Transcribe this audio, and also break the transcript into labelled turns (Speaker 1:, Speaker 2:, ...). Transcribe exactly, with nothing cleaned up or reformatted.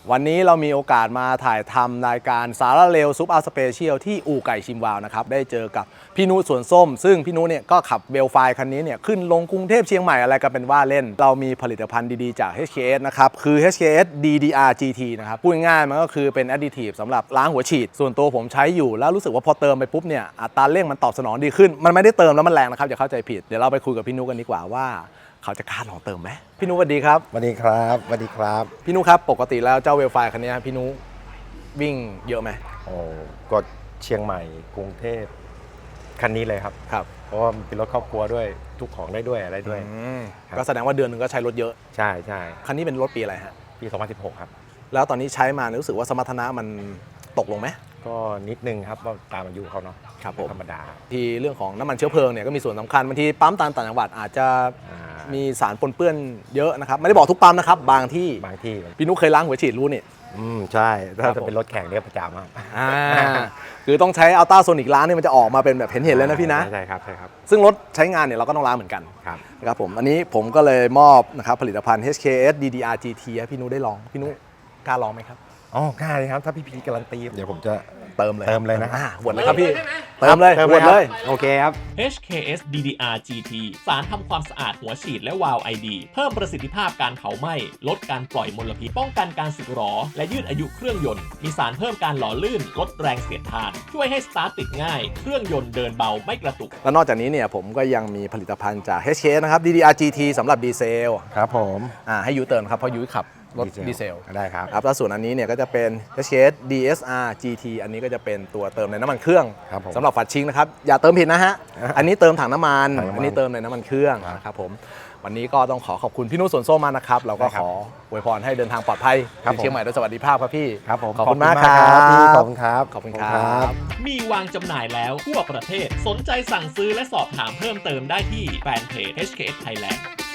Speaker 1: วันนี้เรามีโอกาสมาถ่ายทำรายการสาระเร็วซุปอาร์สเปเชียลที่อู่ไก่ชิมวาวนะครับได้เจอกับพี่นุสวนส้มซึ่งพี่นุเนี่ยก็ขับเวลไฟคันนี้เนี่ยขึ้นลงกรุงเทพเชียงใหม่อะไรกันเป็นว่าเล่นเรามีผลิตภัณฑ์ดีๆจาก เอช เค เอส นะครับคือ เอช เค เอส ดี ดี อาร์ จี ที นะครับพูดง่ายๆมันก็คือเป็นแอดดิทีฟสำหรับล้างหัวฉีดส่วนตัวผมใช้อยู่แล้วรู้สึกว่าพอเติมไปปุ๊บเนี่ยอัตราเร่งมันตอบสนองดีขึ้นมันไม่ได้เติมแล้วมันแรงนะครับอย่าเข้าใจผิดเดี๋ยวเราไปคุยกับพี่นุกันดีกว่าว่าเขาจะกล้าลองเติมไหมพี่นุสวัสดีครับ
Speaker 2: สวัสดีครับสวัสดีครับ
Speaker 1: พี่นุครับปกติแล้วเจ้าเวลไฟคันนี้พี่นุวิ่งเยอะไหม
Speaker 2: โอ้ก็เชียงใหม่กรุงเทพคันนี้เลยครับ
Speaker 1: ครับ
Speaker 2: เพราะว่ามันเป็นรถครอบครัวด้วยทุกของได้ด้วยอะไรด้วย
Speaker 1: ก็แสดงว่าเดือนหนึ่งก็ใช้รถเยอะ
Speaker 2: ใช่ใช่
Speaker 1: คันนี้เป็นรถปีอะไรฮะ
Speaker 2: ปีสองพันสิบหกครับ
Speaker 1: แล้วตอนนี้ใช้มารู้สึกว่าสมรรถนะมันตกลงไหม
Speaker 2: ก็นิดนึงครับว่าตามอายุเขาเนาะ
Speaker 1: ครับผม
Speaker 2: ธรรมดา
Speaker 1: ที่เรื่องของน้ำมันเชื้อเพลิงเนี่ยก็มีส่วนสำคัญบางทีปั๊มตามต่างจังหวัดอาจจะมีสารปนเปื้อนเยอะนะครับไม่ได้บอกทุกปั๊มนะครับบางที่
Speaker 2: บางที่
Speaker 1: พี่นุเคยล้างหัวฉีดรู้นี่
Speaker 2: อืมใช่ถ้าจะเป็นรถแข่งเนี่ยประจำครับ
Speaker 1: อ่าคือต้องใช้อัลต้าโซนิกล้างนี่มันจะออกมาเป็นแบบเห็นเห็นเลยนะพี่นะ
Speaker 2: ใช่ครับใช่ครับ
Speaker 1: ซึ่งรถใช้งานเนี่ยเราก็ต้องล้างเหมือนกัน
Speaker 2: ครับ
Speaker 1: นะครับผมอันนี้ผมก็เลยมอบนะครับผลิตภัณฑ์ เอช เค เอส ดี ดี อาร์ จี ที ให้พี่นุได้ลองพี่นุกล้าลองไหมครับ
Speaker 2: อ๋อกล้าเลยครับถ้าพี่พีการันตีเดี๋ยวผมจะ
Speaker 1: เติมเลย
Speaker 2: เติมเลยนะ
Speaker 1: หวดเลยครับพี่เติมเลยหวดเลย
Speaker 2: โอเคครับ
Speaker 3: เอช เค เอส ดี ดี อาร์ จี ที สารทำความสะอาดหัวฉีดและวาล์ว ไอ ดี เพิ่มประสิทธิภาพการเผาไหม้ลดการปล่อยมลพิษป้องกันการสึกหรอและยืดอายุเครื่องยนต์มีสารเพิ่มการหล่อลื่นลดแรงเสียดทานช่วยให้สตาร์ทติดง่ายเครื่องยนต์เดินเบาไม่กระตุก
Speaker 1: และนอกจากนี้เนี่ยผมก็ยังมีผลิตภัณฑ์จาก เอช เค เอส นะครับ ดี ดี อาร์ จี ที สำหรับดีเซล
Speaker 2: ครับผม
Speaker 1: อ่าให้ยูเติมครับเพราะยูขับรถดีเซล
Speaker 2: ได้ครับ
Speaker 1: ครับแล้วส่วนอันนี้เนี่ยก็จะเป็น เอช เค เอส ดี เอส อาร์ จี ที อันนี้ก็จะเป็นตัวเติมในน้ำมันเครื่องสำหรับฝัดชิงนะครับอย่าเติมผิดนะฮะอันนี้เติมถังน้ำมันอันนี้เติมในน้ำมันเครื่องนะครับผมวันนี้ก็ต้องขอขอบคุณพี่นุสวนส้มมากนะครับเราก็ขออวยพรให้เดินทางปลอดภัยถึงเชียงใหม่โดยสวัสดิภาพครับพี่
Speaker 2: ครับผม
Speaker 1: ขอบคุณมากครับ
Speaker 2: พี่ขอบคุณครับ
Speaker 1: ขอบคุณครับ
Speaker 3: มีวางจำหน่ายแล้วทั่วประเทศสนใจสั่งซื้อและสอบถามเพิ่มเติมได้ที่แฟนเพจ เอช เค เอส Thailand